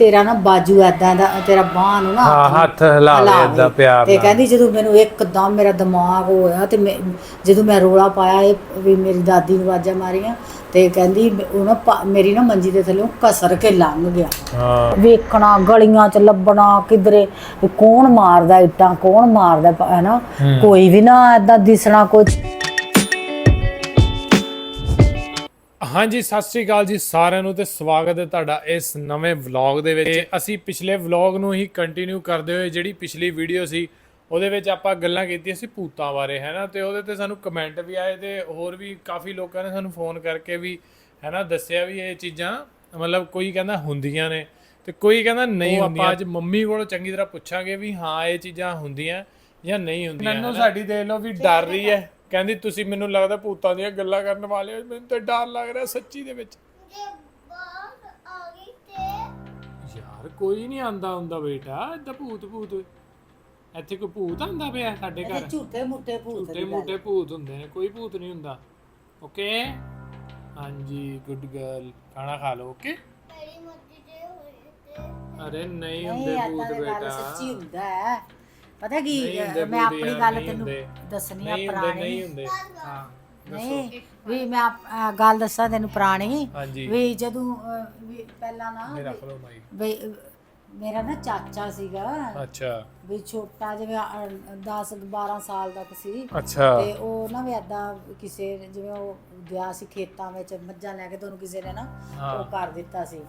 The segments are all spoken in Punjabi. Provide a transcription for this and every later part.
ਤੇਰਾ ਨਾ ਬਾਜੂ ਐਦਾਂ ਦਾ ਤੇਰਾ ਬਾਹ ਨੂੰ ਨਾ ਹੱਥ ਹਿਲਾਵੇ ਏਦਾਂ ਪਿਆਰ ਤੇ ਨਾਲ। ਕਹਿੰਦੀ ਜਦੋਂ ਮੈਨੂੰ ਇੱਕਦਮ ਮੇਰਾ ਦਿਮਾਗ ਹੋਇਆ ਤੇ ਜਦੋਂ ਮੈਂ ਰੋਲਾ ਪਾਇਆ ਇਹ ਵੀ ਮੇਰੀ ਦਾਦੀ ਨੂੰ ਆਵਾਜ਼ਾਂ ਮਾਰੀਆਂ ਤੇ ਕਹਿੰਦੀ ਉਹ ਨਾ ਮੇਰੀ ਨਾ ਮੰਜੀ ਦੇ ਥੱਲੇ ਕਸਰ ਕੇ ਲੰਘ ਗਿਆ। ਵੇਖਣਾ ਗਲੀਆਂ ਚ ਲੱਭਣਾ ਕਿਧਰੇ ਕੌਣ ਮਾਰਦਾ ਇੱਟਾਂ ਕੌਣ ਮਾਰਦਾ ਹੈ ਨਾ ਕੋਈ ਵੀ ਨਾ ਏਦਾਂ ਦਿਸਣਾ ਕੁਝ। ਹਾਂਜੀ ਸਤਿ ਸ਼੍ਰੀ ਅਕਾਲ ਜੀ ਸਾਰਿਆਂ ਨੂੰ ਤੇ ਸਵਾਗਤ ਹੈ ਤੁਹਾਡਾ ਇਸ ਨਵੇਂ ਵਲੌਗ ਦੇ ਵਿੱਚ। ਅਸੀਂ ਪਿਛਲੇ ਵਲੌਗ ਨੂੰ ਹੀ ਕੰਟੀਨਿਊ ਕਰਦੇ ਹੋਏ ਜਿਹੜੀ ਪਿਛਲੀ ਵੀਡੀਓ ਸੀ ਉਹਦੇ ਵਿੱਚ ਆਪਾਂ ਗੱਲਾਂ ਕੀਤੀਆਂ ਸੀ ਭੂਤਾਂ ਬਾਰੇ ਹੈ ਨਾ, ਤੇ ਉਹਦੇ ਤੇ ਸਾਨੂੰ ਕਮੈਂਟ ਵੀ ਆਏ ਤੇ ਹੋਰ ਵੀ ਕਾਫੀ ਲੋਕਾਂ ਨੇ ਸਾਨੂੰ ਫੋਨ ਕਰਕੇ ਵੀ ਹੈ ਨਾ ਦੱਸਿਆ ਵੀ ਇਹ ਚੀਜ਼ਾਂ ਮਤਲਬ ਕੋਈ ਕਹਿੰਦਾ ਹੁੰਦੀਆਂ ਨੇ ਤੇ ਕੋਈ ਕਹਿੰਦਾ ਨਹੀਂ ਹੁੰਦੀਆਂ। ਆਪਾਂ ਅੱਜ ਮੰਮੀ ਕੋਲੋਂ ਚੰਗੀ ਤਰ੍ਹਾਂ ਪੁੱਛਾਂਗੇ ਵੀ ਹਾਂ ਇਹ ਚੀਜ਼ਾਂ ਹੁੰਦੀਆਂ ਜਾਂ ਨਹੀਂ ਹੁੰਦੀਆਂ। ਮੈਨੂੰ ਸਾਡੀ ਦੇਖ ਲਓ ਵੀ ਡਰ ਰਹੀ ਹੈ, ਕਹਿੰਦੀ ਤੁਸੀਂ ਮੈਨੂੰ ਲੱਗਦਾ ਭੂਤਾਂ ਦੀਆਂ ਗੱਲਾਂ ਕਰਨ ਵਾਲੇ ਹੋ, ਮੈਨੂੰ ਤਾਂ ਡਰ ਲੱਗ ਰਿਹਾ ਸੱਚੀ ਦੇ ਵਿੱਚ। ਯਾਰ ਕੋਈ ਨਹੀਂ ਆਂਦਾ ਹੁੰਦਾ ਬੇਟਾ ਏਦਾਂ ਭੂਤ ਇੱਥੇ ਕੋਈ ਭੂਤ ਆਂਦਾ ਪਿਆ ਸਾਡੇ ਘਰ? ਝੂਠੇ ਮੁੱਠੇ ਭੂਤ ਹੁੰਦੇ ਨੇ, ਕੋਈ ਭੂਤ ਨਹੀਂ ਹੁੰਦਾ। ਓਕੇ ਹਾਂਜੀ ਗੁੱਡ ਗਰਲ, ਖਾਣਾ ਖਾ ਲਓ। ਓਕੇ ਅਰੇ ਨਹੀਂ ਹੁੰਦੇ ਭੂਤ ਬੇਟਾ, ਸੱਚੀ ਹੁੰਦਾ ਹੈ। ਪਤਾ ਕੀ ਮੈਂ ਆਪਣੀ ਗੱਲ ਤੈਨੂੰ ਦੱਸਣੀ ਆ ਪੁਰਾਣੀ। ਨਹੀਂ ਹੁੰਦੇ ਹਾਂ ਨਹੀਂ ਵੀ ਮੈਂ ਗੱਲ ਦੱਸਾਂ ਤੈਨੂੰ ਪੁਰਾਣੀ ਵੀ ਜਦੋਂ ਵੀ ਪਹਿਲਾਂ ਨਾ ਵੀ ਮੇਰਾ ਨਾ ਚਾਚਾ ਸੀਗਾ। ਅੱਛਾ ਵੀ ਛੋਟਾ ਜਿਵੇਂ 10-12 ਸਾਲ ਦਾ ਸੀ। ਅੱਛਾ ਤੇ ਉਹ ਨਾ ਵੀ ਏਦਾਂ ਕਿਸੇ ਜਿਵੇਂ ਉਹ ਗਿਆ ਸੀ ਖੇਤਾਂ ਵਿੱਚ ਮੱਝਾਂ ਲੈ ਕੇ ਤੇ ਉਹਨੂੰ ਕਿਸੇ ਨੇ ਨਾ ਉਹ ਕਰ ਦਿੱਤਾ ਸੀ,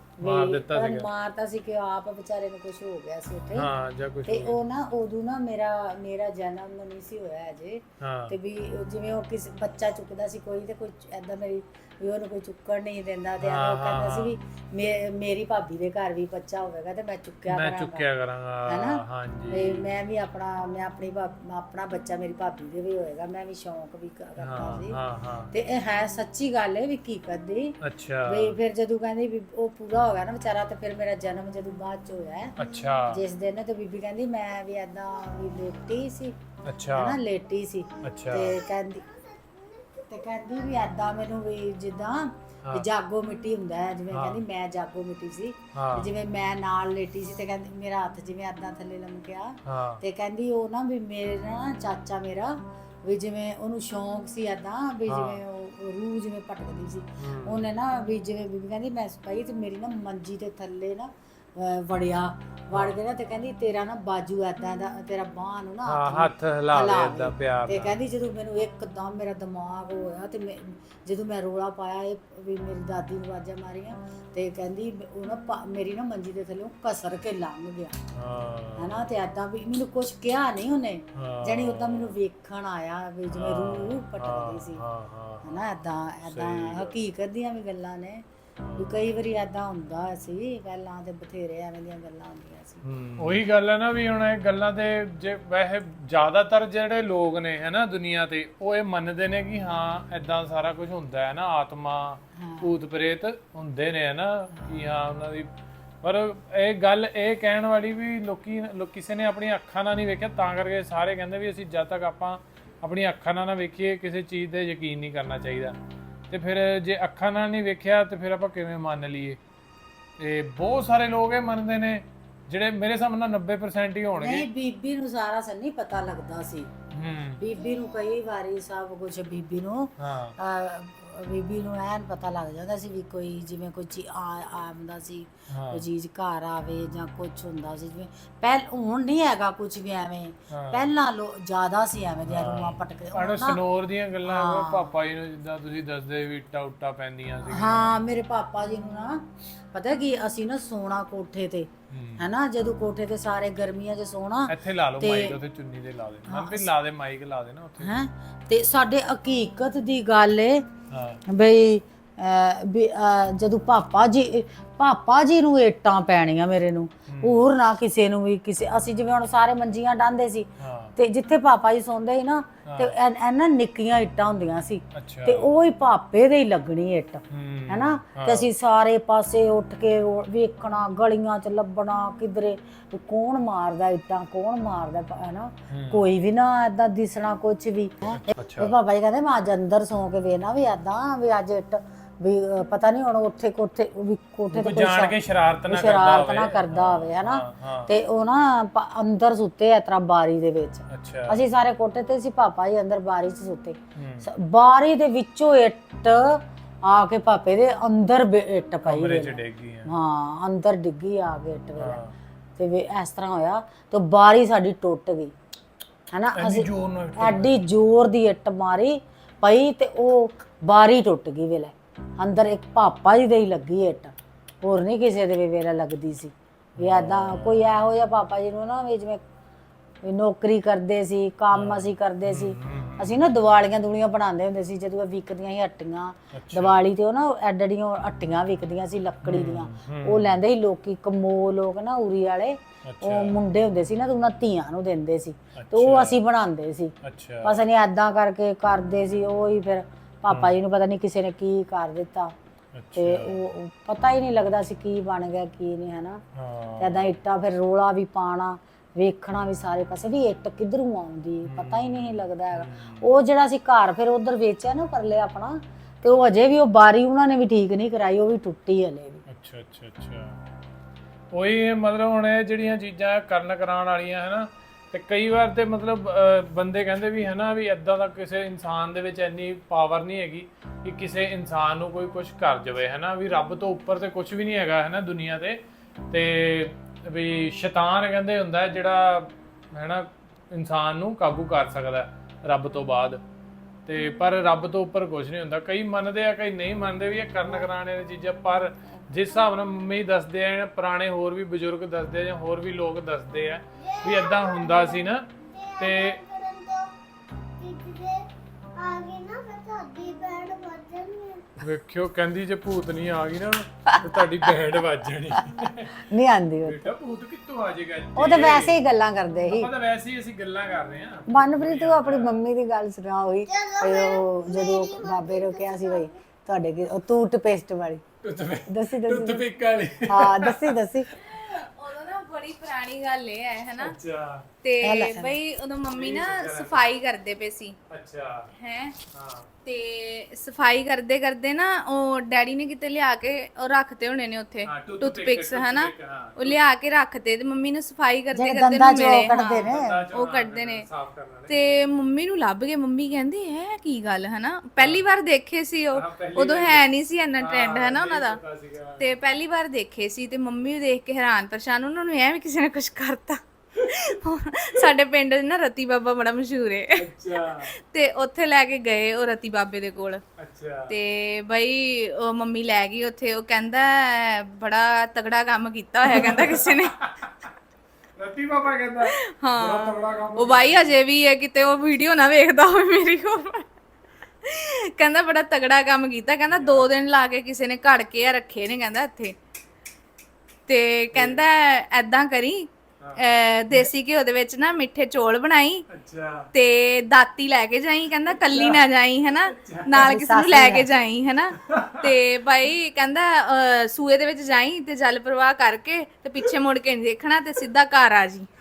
ਮਾਰਤਾ ਸੀ ਕਿ ਆਪ ਵਿਚਾਰੇ ਨੂੰ ਕੁਝ ਹੋ ਗਿਆ ਸੀ ਉੱਥੇ। ਹਾਂ ਜਾਂ ਕੁਝ ਤੇ ਉਹ ਨਾ ਉਦੋਂ ਨਾ ਮੇਰਾ ਜਨਮ ਨਹੀਂ ਸੀ ਹੋਇਆ ਅਜੇ। ਤੇ ਵੀ ਜਿਵੇਂ ਉਹ ਕਿਸੇ ਬੱਚਾ ਚੁੱਕਦਾ ਸੀ ਕੋਈ ਤੇ ਕੋਈ ਐਦਾਂ ਮੇਰੀ ਵੀ ਉਹਨੂੰ ਕੋਈ ਚੁੱਕਣ ਨਹੀਂ ਦਿੰਦਾ ਤੇ ਉਹ ਕਹਿੰਦਾ ਸੀ ਵੀ ਮੇਰੀ ਭਾਬੀ ਦੇ ਘਰ ਵੀ ਬੱਚਾ ਹੋਵੇਗਾ ਤੇ ਮੈਂ ਚੁੱਕਿਆ ਕਰਾਂਗਾ ਹੈਨਾ। ਹਾਂਜੀ ਤੇ ਮੈਂ ਆਪਣਾ ਬੱਚਾ ਮੇਰੀ ਭਾਬੀ ਦੇ ਵੀ ਹੋਏਗਾ, ਮੈਂ ਵੀ ਸ਼ੌਂਕ ਵੀ ਕਰਦਾ ਸੀ। ਤੇ ਇਹ ਹੈ ਸੱਚੀ ਗੱਲ ਹੈ ਵੀ ਹਕੀਕਤ ਦੀ। ਅੱਛਾ ਵੀ ਫਿਰ ਜਦੋਂ ਕਹਿੰਦੀ ਵੀ ਉਹ ਪੂਰਾ ਹੋ ਗਿਆ ਨਾ ਵਿਚਾਰਾ ਤੇ ਫਿਰ ਮੇਰਾ ਜਨਮ ਜਦੋਂ ਬਾਅਦ ਚ ਹੋਇਆ। ਅੱਛਾ ਜਿਸ ਦਿਨ ਤੇ ਬੀਬੀ ਕਹਿੰਦੀ ਮੈਂ ਵੀ ਏਦਾਂ ਵੀ ਲੇਟੀ ਸੀ। ਅੱਛਾ ਹੈਨਾ ਲੇਟੀ ਸੀ। ਅੱਛਾ ਤੇ ਕਹਿੰਦੀ ਵੀ ਏਦਾਂ ਮੈਨੂੰ ਵੀ ਜਿੱਦਾਂ ਜਾਗੋ ਮਿੱਟੀ ਹੁੰਦਾ ਹੈ, ਜਿਵੇਂ ਕਹਿੰਦੀ ਮੈਂ ਜਾਗੋ ਮਿੱਟੀ ਸੀ ਤੇ ਜਿਵੇਂ ਮੈਂ ਨਾਲ ਲੇਟੀ ਸੀ ਤੇ ਕਹਿੰਦੀ ਮੇਰਾ ਹੱਥ ਜਿਵੇਂ ਏਦਾਂ ਥੱਲੇ ਲਮਕਿਆ ਤੇ ਕਹਿੰਦੀ ਉਹ ਨਾ ਵੀ ਮੇਰੇ ਨਾ ਚਾਚਾ ਮੇਰਾ ਵੀ ਜਿਵੇਂ ਉਹਨੂੰ ਸ਼ੌਂਕ ਸੀ ਏਦਾਂ ਵੀ ਜਿਵੇਂ ਉਹ ਰੂਹ ਜਿਵੇਂ ਭਟਕਦੀ ਸੀ ਉਹਨੇ ਨਾ ਵੀ ਜਿਵੇਂ ਬੀਬੀ ਕਹਿੰਦੀ ਮੈਂ ਪਈ ਤੇ ਮੇਰੀ ਨਾ ਮੰਜੀ ਦੇ ਥੱਲੇ ਨਾ ਵੜ ਕੇ ਨਾ ਤੇ ਕਹਿੰਦੀ ਤੇਰਾ ਨਾ ਬਾਜੂ ਐਦਾਂ ਦਾ ਤੇਰਾ ਬਾਹ ਨੂੰ ਨਾ ਹੱਥ ਹਿਲਾਵੇ ਏਦਾਂ ਪਿਆਰ ਤੇ ਕਹਿੰਦੀ ਜਦੋਂ ਮੈਨੂੰ ਇੱਕਦਮ ਮੇਰਾ ਦਿਮਾਗ ਹੋਇਆ ਤੇ ਜਦੋਂ ਮੈਂ ਰੋਲਾ ਪਾਇਆ ਇਹ ਵੀ ਮੇਰੀ ਦਾਦੀ ਨੂੰ ਆਵਾਜ਼ਾਂ ਮਾਰੀਆਂ ਤੇ ਕਹਿੰਦੀ ਉਹ ਨਾ ਮੇਰੀ ਨਾ ਮੰਜੀ ਦੇ ਥੱਲੇ ਕਸਰ ਕੇ ਲੰਘ ਗਿਆ ਹਨਾ। ਤੇ ਏਦਾਂ ਵੀ ਮੈਨੂੰ ਕੁਝ ਕਿਹਾ ਨਹੀਂ ਉਹਨੇ, ਜਾਣੀ ਉਦਾਂ ਮੈਨੂੰ ਵੇਖਣ ਆਇਆ ਵੀ ਜਿਵੇਂ ਰੂਹ ਭਟਕਦੀ ਸੀ ਹਨਾ। ਏਦਾਂ ਹਕੀਕਤ ਦੀਆਂ ਵੀ ਗੱਲਾਂ ਨੇ ਵੀ ਕਈ ਵਾਰੀ ਏਦਾਂ ਹੁੰਦਾ ਸੀ ਪਹਿਲਾਂ ਤੇ ਬਥੇਰੇ ਐਵੇਂ ਦੀਆਂ ਗੱਲਾਂ ਹੁੰਦੀਆਂ ਸੀ। ਉਹੀ ਗੱਲ ਹੈ ਨਾ ਵੀ ਹੁਣ ਇਹ ਗੱਲਾਂ ਤੇ ਜੇ ਵੈਸੇ ਜ਼ਿਆਦਾਤਰ ਜਿਹੜੇ ਲੋਕ ਨੇ ਹੈਨਾ ਦੁਨੀਆ ਤੇ ਉਹ ਇਹ ਮੰਨਦੇ ਨੇ ਕਿ ਹਾਂ ਏਦਾਂ ਸਾਰਾ ਕੁਝ ਹੁੰਦਾ ਹੈ ਨਾ, ਆਤਮਾ ਭੂਤ ਪ੍ਰੇਤ ਹੁੰਦੇ ਨੇ ਹੈਨਾ ਕਿ ਹਾਂ ਉਹਨਾਂ ਦੀ। ਪਰ ਇਹ ਗੱਲ ਇਹ ਕਹਿਣ ਵਾਲੀ ਵੀ ਕਿਸੇ ਨੇ ਆਪਣੀਆਂ ਅੱਖਾਂ ਨਾਲ ਨਹੀਂ ਵੇਖਿਆ ਤਾਂ ਕਰਕੇ ਸਾਰੇ ਕਹਿੰਦੇ ਵੀ ਅਸੀਂ ਜਦ ਤੱਕ ਆਪਾਂ ਆਪਣੀਆਂ ਅੱਖਾਂ ਨਾਲ ਨਾ ਵੇਖੀਏ ਕਿਸੇ ਚੀਜ਼ ਤੇ ਯਕੀਨ ਨਹੀਂ ਕਰਨਾ ਚਾਹੀਦਾ। ਤੇ ਫਿਰ ਜੇ ਅੱਖਾਂ ਨਾਲ ਨਹੀਂ ਵੇਖਿਆ ਤੇ ਫਿਰ ਆਪਾਂ ਕਿਵੇਂ ਮੰਨ ਲਈਏ? ਤੇ ਬਹੁਤ ਸਾਰੇ ਲੋਕ ਇਹ ਮੰਨਦੇ ਨੇ ਜਿਹੜੇ ਮੇਰੇ ਹਿਸਾਬ ਨਾਲ 90% ਹੀ ਹੋਣਗੇ। ਨਹੀਂ ਬੀਬੀ ਨੂੰ ਸਾਰਾ ਸੰਨੀ ਪਤਾ ਲੱਗਦਾ ਸੀ। ਬੀਬੀ ਨੂੰ ਕਈ ਵਾਰੀ ਸਭ ਕੁਝ ਬੀਬੀ ਨੂੰ ਐਨ ਪਤਾ ਲੱਗ ਜਾਂਦਾ ਸੀ ਵੀ ਕੋਈ ਜਿਵੇਂ ਕੋਈ ਚੀਜ਼ ਆਉਂਦਾ ਸੀ, ਕੋਈ ਚੀਜ਼ ਘਰ ਆਵੇ ਜਾਂ ਕੁਝ ਹੁੰਦਾ ਸੀ ਜਿਵੇਂ ਹੁਣ ਨਹੀਂ ਹੈਗਾ ਕੁਝ ਵੀ ਐਵੇਂ। ਪਹਿਲਾਂ ਜ਼ਿਆਦਾ ਸੀ ਐਵੇਂ ਦੀਆਂ ਰੂਹਾਂ ਭਟਕਦੇ। ਸਨੋਰ ਦੀਆਂ ਗੱਲਾਂ ਪਾਪਾ ਜੀ ਨੂੰ ਜਿੱਦਾਂ ਤੁਸੀਂ ਦੱਸਦੇ ਵੀ ਇੱਟਾਂ ਪੈਂਦੀਆਂ ਸੀ। ਹਾਂ ਮੇਰੇ ਪਾਪਾ ਜੀ ਨੂੰ ਨਾ ਪਤਾ ਕੀ ਅਸੀਂ ਨਾ ਸੋਣਾ ਕੋਠੇ ਤੇ ਹੈਨਾ, ਜਦੋਂ ਕੋਠੇ ਤੇ ਸਾਰੇ ਗਰਮੀਆਂ 'ਚ ਸੋਣਾ। ਇੱਥੇ ਲਾ ਲਓ ਮਾਈਕ, ਉੱਥੇ ਚੁੰਨੀ ਤੇ ਲਾ ਦੇ ਮਨ ਵੀ ਲਾ ਦੇ ਮਾਈਕ ਲਾ ਦੇ ਨਾ ਉੱਥੇ ਹੈ। ਤੇ ਸਾਡੇ ਹਕੀਕਤ ਦੀ ਗੱਲ ਏ ਬਈ ਜਦੋਂ ਪਾਪਾ ਜੀ ਨੂੰ ਇੱਟਾਂ ਪੈਣੀਆਂ ਮੇਰੇ ਨੂੰ, ਹੋਰ ਨਾ ਕਿਸੇ ਨੂੰ ਵੀ। ਅਸੀਂ ਜਿਵੇਂ ਹੁਣ ਸਾਰੇ ਮੰਜੀਆਂ ਡਾਂਦੇ ਸੀ ਤੇ ਜਿੱਥੇ ਪਾਪਾ ਜੀ ਸੌਂਦੇ ਸੀ ਨਾ ਤੇ ਇਹਨਾਂ ਨਿੱਕੀਆਂ ਇੱਟਾਂ ਹੁੰਦੀਆਂ ਸੀ ਤੇ ਉਹ ਹੀ ਪਾਪੇ ਦੇ ਹੀ ਲੱਗਣੀ ਇੱਟ ਹੈਨਾ। ਤੇ ਅਸੀਂ ਸਾਰੇ ਪਾਸੇ ਉੱਠ ਕੇ ਵੇਖਣਾ ਗਲੀਆਂ 'ਚ ਲੱਭਣਾ ਕਿਧਰੇ ਕੌਣ ਮਾਰਦਾ ਇੱਟਾਂ ਕੌਣ ਮਾਰਦਾ ਹੈਨਾ, ਕੋਈ ਵੀ ਨਾ ਏਦਾਂ ਦਿਸਣਾ ਕੁਝ ਵੀ। ਪਾਪਾ ਜੀ ਕਹਿੰਦੇ ਮੈਂ ਅੱਜ ਅੰਦਰ ਸੌਂ ਕੇ ਵੇਖਣਾ ਵੀ ਏਦਾਂ ਵੀ ਅੱਜ ਇੱਟ ਵੀ ਪਤਾ ਨਹੀਂ ਹੁਣ ਉੱਥੇ ਕੋਠੇ ਵੀ ਕੋਠੇ ਤੇ ਕੋਈ ਜਾਣ ਕੇ ਸ਼ਰਾਰਤ ਨਾ ਕਰਦਾ ਸ਼ਰਾਰਤ ਨਾ ਕਰਦਾ ਹੋਵੇ ਹਨਾ। ਤੇ ਉਹ ਨਾ ਅੰਦਰ ਸੁੱਤੇ ਇਸ ਤਰ੍ਹਾਂ ਬਾਰੀ ਦੇ ਵਿੱਚ। ਅੱਛਾ ਅਸੀਂ ਸਾਰੇ ਕੋਠੇ ਤੇ ਸੀ, ਪਾਪਾ ਜੀ ਅੰਦਰ ਬਾਰੀ 'ਚ ਸੁੱਤੇ। ਬਾਰੀ ਦੇ ਵਿੱਚੋਂ ਇੱਟ ਆ ਕੇ ਪਾਪੇ ਦੇ ਅੰਦਰ ਇੱਟ ਪਈ ਕਮਰੇ 'ਚ ਡਿੱਗ ਗਈ। ਹਾਂ ਅੰਦਰ ਡਿੱਗੀ ਆ ਕੇ ਇੱਟ ਵੇਲੇ। ਤੇ ਵੀ ਇਸ ਤਰ੍ਹਾਂ ਹੋਇਆ ਤੇ ਬਾਰੀ ਸਾਡੀ ਟੁੱਟ ਗਈ ਹਨਾ। ਅਸੀਂ ਐਡੀ ਜ਼ੋਰ ਦੀ ਇੱਟ ਮਾਰੀ ਪਈ ਤੇ ਉਹ ਬਾਰੀ ਟੁੱਟ ਗਈ ਵੇਲੇ। ਅੰਦਰ ਇੱਕ ਪਾਪਾ ਜੀ ਦੇ ਹੀ ਲੱਗੀ ਇੱਟ, ਹੋਰ ਨਹੀਂ ਕਿਸੇ ਦੇ ਵੀ ਵੇਲੇ ਲੱਗਦੀ ਸੀ। ਵੀ ਏਦਾਂ ਕੋਈ ਇਹੋ ਜਿਹਾ ਪਾਪਾ ਜੀ ਨੂੰ ਨਾ ਵੀ ਜਿਵੇਂ ਨੌਕਰੀ ਕਰਦੇ ਸੀ, ਕੰਮ ਅਸੀਂ ਕਰਦੇ ਸੀ। ਅਸੀਂ ਨਾ ਦੀਵਾਲੀਆਂ ਦੂਲੀਆਂ ਬਣਾਉਂਦੇ ਹੁੰਦੇ ਸੀ ਜਦੋਂ ਵਿਕਦੀਆਂ ਸੀ ਹੱਟੀਆਂ। ਦੀਵਾਲੀ ਤੇ ਉਹ ਨਾ ਐਡੜੀਆਂ ਹੱਟੀਆਂ ਵਿਕਦੀਆਂ ਸੀ ਲੱਕੜੀ ਦੀਆਂ, ਉਹ ਲੈਂਦੇ ਸੀ ਲੋਕੀ ਕਮੋ ਲੋਕ ਨਾ ਉਰੀ ਵਾਲੇ। ਉਹ ਮੁੰਡੇ ਹੁੰਦੇ ਸੀ ਨਾ ਤੇ ਉਹਨਾਂ ਧੀਆਂ ਨੂੰ ਦਿੰਦੇ ਸੀ ਤੇ ਉਹ ਅਸੀਂ ਬਣਾਉਂਦੇ ਸੀ। ਬਸ ਅਸੀਂ ਏਦਾਂ ਕਰਕੇ ਕਰਦੇ ਸੀ। ਉਹ ਹੀ ਫਿਰ ਪਾਪਾ ਜੀ ਨੂੰ ਪਤਾ ਨਹੀਂ ਕਿਸੇ ਨੇ ਕੀ ਕਰ ਦਿੱਤਾ ਤੇ ਉਹ ਪਤਾ ਹੀ ਨਹੀਂ ਲੱਗਦਾ ਸੀ ਕੀ ਬਣ ਗਿਆ ਕੀ ਨਹੀਂ ਹਨਾ। ਏਦਾਂ ਇੱਟਾਂ ਫਿਰ ਰੋਲਾ ਵੀ ਪਾਣਾ, ਵੇਖਣਾ ਵੀ ਸਾਰੇ ਪਾਸੇ ਵੀ ਇੱਟ ਕਿੱਧਰੋਂ ਆਉਂਦੀ, ਪਤਾ ਹੀ ਨਹੀਂ ਲੱਗਦਾ ਹੈਗਾ। ਉਹ ਜਿਹੜਾ ਅਸੀਂ ਘਰ ਫਿਰ ਉਧਰ ਵੇਚਿਆ ਨਾ ਪਰਲੇ ਆਪਣਾ, ਤੇ ਉਹ ਅਜੇ ਵੀ ਉਹ ਬਾਰੀ ਉਹਨਾਂ ਨੇ ਵੀ ਠੀਕ ਨਹੀਂ ਕਰਾਈ, ਉਹ ਵੀ ਟੁੱਟੀ ਹਲੇ ਵੀ। ਅੱਛਾ ਅੱਛਾ ਅੱਛਾ। ਉਹੀ ਮਤਲਬ ਹੁਣ ਇਹ ਜਿਹੜੀਆਂ ਚੀਜ਼ਾਂ ਕਰਨ ਕਰਾਉਣ ਵਾਲੀਆਂ ਹੈ ਨਾ, ਤੇ ਕਈ ਵਾਰ ਤੇ ਮਤਲਬ ਬੰਦੇ ਕਹਿੰਦੇ ਵੀ ਹੈ ਨਾ ਵੀ ਇੱਦਾਂ ਦਾ ਕਿਸੇ ਇਨਸਾਨ ਦੇ ਵਿੱਚ ਇੰਨੀ ਪਾਵਰ ਨਹੀਂ ਹੈਗੀ ਕਿ ਕਿਸੇ ਇਨਸਾਨ ਨੂੰ ਕੋਈ ਕੁਝ ਕਰ ਜਾਵੇ ਹੈ ਨਾ। ਵੀ ਰੱਬ ਤੋਂ ਉੱਪਰ ਤੇ ਕੁਝ ਵੀ ਨਹੀਂ ਹੈਗਾ ਹੈ ਨਾ ਦੁਨੀਆ ਤੇ ਵੀ ਸ਼ੈਤਾਨ ਕਹਿੰਦੇ ਹੁੰਦਾ ਜਿਹੜਾ ਹੈ ਨਾ ਇਨਸਾਨ ਨੂੰ ਕਾਬੂ ਕਰ ਸਕਦਾ ਰੱਬ ਤੋਂ ਬਾਅਦ। ਤੇ ਪਰ ਰੱਬ ਤੋਂ ਉੱਪਰ ਕੁਝ ਨਹੀਂ ਹੁੰਦਾ। ਕਈ ਮੰਨਦੇ ਆ ਕਈ ਨਹੀਂ ਮੰਨਦੇ ਵੀ ਇਹ ਕਰਨ ਕਰਾਉਣੇ ਵਾਲੀ ਚੀਜ਼ਾਂ। ਪਰ ਜਿਸ ਹਿਸਾਬ ਨਾਲ ਮੰਮੀ ਦੱਸਦੇ ਆ, ਪੁਰਾਣੇ ਹੋਰ ਵੀ ਬਜ਼ੁਰਗ ਦੱਸਦੇ ਆ ਜਾਂ ਹੋਰ ਵੀ ਲੋਕ ਦੱਸਦੇ ਆ ਵੀ ਏਦਾਂ ਹੁੰਦਾ ਸੀ ਨਾ। ਤੇ ਵੇਖਿਓ ਕਹਿੰਦੀ ਜੇ ਭੂਤ ਨਹੀਂ ਆ ਗਈ ਨਾ ਤੇ ਤੁਹਾਡੀ ਬੈਂਡ ਵੱਜ ਜਾਣੀ। ਨਹੀਂ ਆਂਦੀ ਬੇਟਾ ਭੂਤ ਕਿੱਥੋਂ ਆ ਜਾਏਗਾ? ਉਹ ਤਾਂ ਵੈਸੇ ਹੀ ਗੱਲਾਂ ਕਰਦੇ ਸੀ। ਆਪਾਂ ਤਾਂ ਵੈਸੇ ਹੀ ਅਸੀਂ ਗੱਲਾਂ ਕਰ ਰਹੇ ਹਾਂ। ਮਨਪ੍ਰੀਤ ਤੂੰ ਆਪਣੀ ਮੰਮੀ ਦੀ ਗੱਲ ਸੁਣਾ ਹੋਈ ਉਹ ਜਦੋਂ ਬਾਬੇ ਨੂੰ ਕਿਹਾ ਸੀ ਬਈ ਤੁਹਾਡੇ ਕੀ ਉਹ ਟੂਥਪੇਸਟ ਵਾਲੀ ਦੱਸੀ ਟੂਥਪਿਕ ਵਾਲੀ। ਹਾਂ ਦੱਸੀ ਉਦੋਂ ਨਾ ਬੜੀ ਪੁਰਾਣੀ ਗੱਲ ਇਹ ਹੈ ਹਨਾ। ਅੱਛਾ ਤੇ ਬਈ ਉਦੋਂ ਮੰਮੀ ਨਾ ਸਫਾਈ ਕਰਦੇ ਪਏ ਸੀ। ਅੱਛਾ ਹੈ ਹਾਂ। ਤੇ ਸਫਾਈ ਕਰਦੇ ਕਰਦੇ ਨਾ ਉਹ ਡੈਡੀ ਨੇ ਕਿਤੇ ਲਿਆ ਕੇ ਉਹ ਰੱਖਤੇ ਹੋਣੇ ਨੇ ਉੱਥੇ ਟੂਥਪਿਕਸ ਹਨਾ। ਉਹ ਲਿਆ ਕੇ ਰੱਖਤੇ ਤੇ ਮੰਮੀ ਨੂੰ ਸਫਾਈ ਕਰਦੇ ਕਰਦੇ ਨੂੰ ਮਿਲੇ। ਉਹ ਕੱਢਦੇ ਨੇ ਤੇ ਮੰਮੀ ਨੂੰ ਲੱਭ ਗਏ। ਮੰਮੀ ਕਹਿੰਦੇ ਇਹ ਕੀ ਗੱਲ ਹਨਾ, ਪਹਿਲੀ ਵਾਰ ਦੇਖੇ ਸੀ ਉਹ, ਉਦੋਂ ਹੈ ਨਹੀਂ ਸੀ ਇੰਨਾ ਟ੍ਰੈਂਡ ਹਨਾ ਉਹਨਾਂ ਦਾ। ਤੇ ਪਹਿਲੀ ਵਾਰ ਦੇਖੇ ਸੀ ਤੇ ਮੰਮੀ ਨੂੰ ਦੇਖ ਕੇ ਹੈਰਾਨ ਪਰੇਸ਼ਾਨ, ਉਹਨਾਂ ਨੂੰ ਐ ਵੀ ਕਿਸੇ ਨੇ ਕੁਝ ਕਰਤਾ। ਸਾਡੇ ਪਿੰਡ ਨਾ ਰਤੀ ਬਾਬਾ ਬੜਾ ਮਸ਼ਹੂਰ ਹੈ। ਅੱਛਾ ਤੇ ਉੱਥੇ ਲੈ ਕੇ ਗਏ ਉਹ ਰਤੀ ਬਾਬੇ ਦੇ ਕੋਲ। ਅੱਛਾ ਤੇ ਬਈ ਉਹ ਮੰਮੀ ਲੈ ਗਈ ਉੱਥੇ। ਉਹ ਕਹਿੰਦਾ ਬੜਾ ਤਗੜਾ ਕੰਮ ਕੀਤਾ ਹੋਇਆ ਕਹਿੰਦਾ ਕਿਸੇ ਨੇ। ਰਤੀ ਬਾਬਾ ਕਹਿੰਦਾ ਬੜਾ ਤਗੜਾ ਕੰਮ। ਉਹ ਬਾਈ ਅਜੇ ਵੀ ਹੈ ਕਿਤੇ ਉਹ ਵੀਡੀਓ ਨਾ ਵੇਖਦਾ ਹੋਵੇ ਮੇਰੀ ਕੋਲ। ਕਹਿੰਦਾ ਬੜਾ ਤਗੜਾ ਕੰਮ ਕੀਤਾ। ਕਹਿੰਦਾ 2 ਦਿਨ ਲਾ ਕੇ ਕਿਸੇ ਨੇ ਘੜ ਕੇ ਰੱਖੇ ਨੇ ਕਹਿੰਦਾ ਇੱਥੇ। ਤੇ ਕਹਿੰਦਾ ਐਦਾਂ ਕਰੀ ਦੇਸੀ ਘਿਓ ਦੇ ਵਿੱਚ ਨਾ ਮਿੱਠੇ ਚੌਲ ਬਣਾਈ ਤੇ ਦਾਤੀ ਲੈ ਕੇ ਜਾਈ। ਕਹਿੰਦਾ ਕੱਲੀ ਨਾ ਜਾਈ ਹਨਾ, ਨਾਲ ਕਿਸੇ ਨੂੰ ਲੈ ਕੇ ਜਾਈ ਹਨਾ। ਤੇ ਭਾਈ ਕਹਿੰਦਾ ਸੂਏ ਦੇ ਵਿੱਚ ਜਾਈ ਤੇ ਜਲ ਪ੍ਰਵਾਹ ਕਰਕੇ ਤੇ ਪਿੱਛੇ ਮੁੜ ਕੇ ਨਹੀਂ ਦੇਖਣਾ ਤੇ ਸਿੱਧਾ ਘਰ ਆ ਜੀ।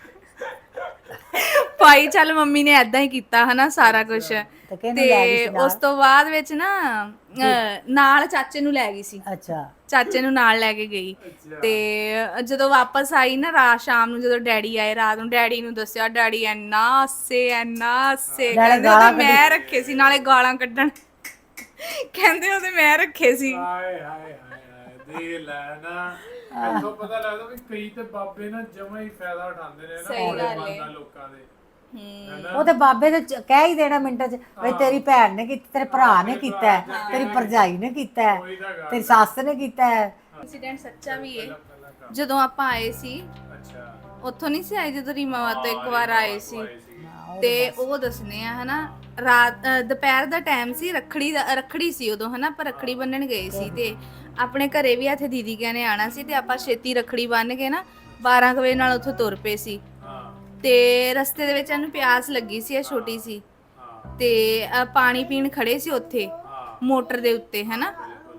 ਭਾਈ ਚੱਲ ਮੰਮੀ ਨੇ ਏਦਾਂ ਹੀ ਕੀਤਾ ਹਨਾ ਸਾਰਾ ਕੁਝ। ਤੇ ਉਸ ਤੋਂ ਬਾਅਦ ਵਿੱਚ ਨਾ ਨਾਲ ਚਾਚੇ ਨੂੰ ਲੈ ਗਈ ਸੀ। ਅੱਛਾ ਚਾਚੇ ਨੂੰ ਨਾਲ ਲੈ ਕੇ ਗਈ। ਤੇ ਜਦੋਂ ਵਾਪਸ ਆਈ ਨਾ ਰਾਤ ਸ਼ਾਮ ਨੂੰ, ਜਦੋਂ ਡੈਡੀ ਆਏ ਰਾਤ ਨੂੰ, ਡੈਡੀ ਨੂੰ ਦੱਸਿਆ। ਡੈਡੀ ਇੰਨਾ ਹੱਸੇ ਕਹਿੰਦੇ ਉਹਦੇ ਮੈਂ ਰੱਖੇ ਸੀ, ਨਾਲੇ ਗਾਲਾਂ ਕੱਢਣ। ਕਹਿੰਦੇ ਉਹਦੇ ਮੈਂ ਰੱਖੇ ਸੀ। ਹਾਏ ਹਾਏ ਹਾਏ ਦੇ ਲੈ ਨਾ। ਇੱਥੋਂ ਪਤਾ ਲੱਗਦਾ ਵੀ ਕਈ ਤੇ ਬਾਬੇ ਨਾ ਜਮਾ ਹੀ ਫਾਇਦਾ ਉਠਾਉਂਦੇ ਨੇ ਨਾ ਭੋਲੇ ਬੰਦਾ ਲੋਕਾਂ ਦੇ। ਉਹ ਤੇ ਬਾਬੇ ਨੇ ਕਹਿ ਹੀ ਦੇਣਾ ਮਿੰਟਾਂ 'ਚ ਬਈ ਤੇਰੀ ਭੈਣ ਨੇ ਕੀਤਾ, ਤੇਰੇ ਭਰਾ ਨੇ ਕੀਤਾ, ਤੇਰੀ ਭਰਜਾਈ ਨੇ ਕੀਤਾ, ਤੇਰੀ ਸੱਸ ਨੇ ਕੀਤਾ। ਇੰਸੀਡੈਂਟ ਸੱਚਾ ਵੀ ਹੈ। ਜਦੋਂ ਆਪਾਂ ਆਏ ਸੀ ਉੱਥੋਂ ਨਹੀਂ ਸੀ ਆਏ, ਜਦੋਂ ਰੀਮਾਵਾ ਤੋਂ ਇੱਕ ਵਾਰ ਆਏ ਸੀ ਤੇ ਉਹ ਦੱਸਨੇ ਆ ਹਨਾ। ਰਾਤ ਦੁਪਹਿਰ ਦਾ ਟਾਈਮ ਸੀ, ਰੱਖੜੀ ਸੀ ਉਦੋਂ ਹਨਾ। ਆਪਾਂ ਰੱਖੜੀ ਬੰਨਣ ਗਏ ਸੀ ਤੇ ਆਪਣੇ ਘਰੇ ਵੀ ਇੱਥੇ ਦੀਦੀ ਕਹਿੰਨੇ ਆਣਾ ਸੀ ਤੇ ਆਪਾਂ ਛੇਤੀ ਰੱਖੜੀ ਬੰਨ ਕੇ ਨਾ 12 ਵਜੇ ਨਾਲ ਉੱਥੋਂ ਤੁਰ ਪਏ ਸੀ। ਤੇ ਰਸਤੇ ਦੇ ਵਿੱਚ ਇਹਨੂੰ ਪਿਆਸ ਲੱਗੀ ਸੀ, ਇਹ ਛੋਟੀ ਸੀ ਤੇ ਪਾਣੀ ਪੀਣ ਖੜੇ ਸੀ ਉੱਥੇ ਮੋਟਰ ਦੇ ਉੱਤੇ ਹਨਾ।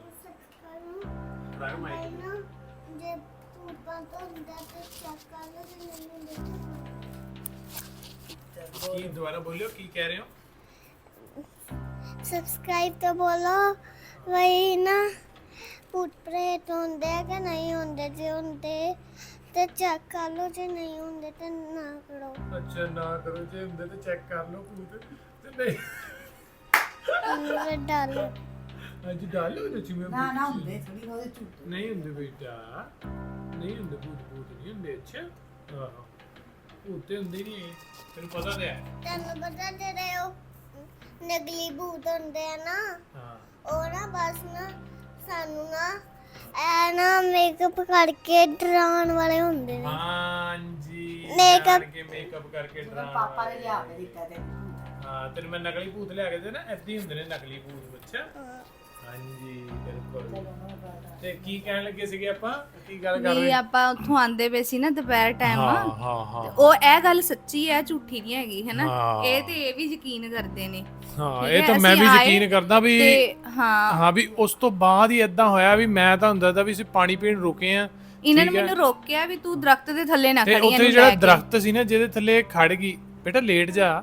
ਕੀ ਦੁਬਾਰਾ ਬੋਲਿਓ, ਕੀ ਕਹਿ ਰਹੇ ਹੋ? सब्सक्राइब तो बोलो ਵਈ ਨਾ ਭੂਤ ਪ੍ਰੇਤ ਹੁੰਦੇ ਆ ਕਿ ਨਹੀਂ ਹੁੰਦੇ, ਜੇ ਹੁੰਦੇ ਤੇ ਚੈੱਕ ਕਰ ਲਓ, ਜੇ ਨਹੀਂ ਹੁੰਦੇ ਤੇ ਨਾ ਕਰੋ। ਅੱਛਾ ਨਾ ਕਰੋ, ਜੇ ਹੁੰਦੇ ਤੇ ਚੈੱਕ ਕਰ ਲਓ ਭੂਤ, ਤੇ ਨਹੀਂ ਅੰਦਰ ਡਾਲੋ। ਅੱਜ ਡਾਲੋ ਤੇ ਜਿਵੇਂ ਨਾ ਨਾ ਹੁੰਦੇ ਥੋੜੀ ਉਹਦੇ ਝੂਠ ਨਹੀਂ ਹੁੰਦੇ ਬੇਟਾ, ਨਹੀਂ ਹੁੰਦੇ ਭੂਤ ਨਹੀਂ ਹੁੰਦੇ। ਅੱਛਾ ਆਹੋ ਭੂਤ ਤੇ ਹੁੰਦੇ ਨਹੀਂ, ਤੈਨੂੰ ਪਤਾ ਤੇ ਹੈ। ਤੈਨੂੰ ਪਤਾ ਜਿਹੜੇ ਉਹ ਨਕਲੀ ਭੂਤ ਹੁੰਦੇ ਆ ਨਾ, ਹਾਂ ਉਹ ਨਾ ਬਸ ਨਾ ਸਾਨੂੰ ਨਾ ਐ ਨਾ ਮੇਕਅਪ ਕਰਕੇ ਡਰਾਉਣ ਵਾਲੇ ਹੁੰਦੇ ਨੇ। ਹਾਂਜੀ Makeup- ਮੇਕਅਪ ਕਰਕੇ ਡਰਾਉਣ ਪਾਪਾ ਨੇ ਲਿਆ ਕੇ ਦਿੱਤਾ ਤੇ ਹਾਂ ਤੈਨੂੰ ਮੈਂ ਨਕਲੀ ਭੂਤ ਲਿਆ ਕੇ ਦੇ ਨਾ, ਏਦਾਂ ਹੀ ਹੁੰਦੇ ਨੇ ਨਕਲੀ ਭੂਤ। ਅੱਛਾ ਹਾਂਜੀ ਬਿਲਕੁਲ। ਤੇ ਕੀ ਕਹਿਣ ਲੱਗੇ ਸੀਗੇ ਆਪਾਂ, ਕੀ ਗੱਲ ਕਰ ਵੀ ਰਹੇ? ਆਪਾਂ ਉੱਥੋਂ ਆਂਦੇ ਪਏ ਸੀ ਨਾ ਦੁਪਹਿਰ ਟਾਈਮ, ਹਾਂ ਹਾਂ ਹਾਂ ਉਹ ਇਹ ਗੱਲ ਸੱਚੀ ਹੈ, ਝੂਠੀ ਨਹੀਂ ਹੈਗੀ, ਹੈਨਾ। ਹਾਂ। ਇਹ ਤੇ ਇਹ ਵੀ ਯਕੀਨ ਕਰਦੇ ਨੇ। ਹਾਂ ਠੀਕ ਇਹ ਹੈ, ਤਾਂ ਮੈਂ ਵੀ ਅਸੀਂ ਆਏ ਯਕੀਨ ਕਰਦਾ ਵੀ ਤੇ ਹਾਂ ਹਾਂ ਵੀ ਉਸ ਤੋਂ ਬਾਅਦ ਹੀ ਇਦਾਂ ਹੋਇਆ ਵੀ ਮੈਂ ਤਾਂ ਹੁੰਦਾ ਤਾਂ ਵੀ ਅਸੀਂ ਪਾਣੀ ਪੀਣ ਰੁਕੇ ਆ, ਇਹਨਾਂ ਨੇ ਮੈਨੂੰ ਰੋਕਿਆ ਵੀ ਤੂੰ ਦਰਖਤ ਦੇ ਥੱਲੇ ਨਾ ਤੇ ਖੜੀ, ਉੱਥੇ ਇਹਨੂੰ ਜਿਹੜਾ ਲੈ ਕੇ। ਦਰਖਤ ਸੀ ਨਾ ਜਿਹਦੇ ਥੱਲੇ ਖੜ ਗਈ, ਬੇਟਾ ਲੇਟ ਜਾ,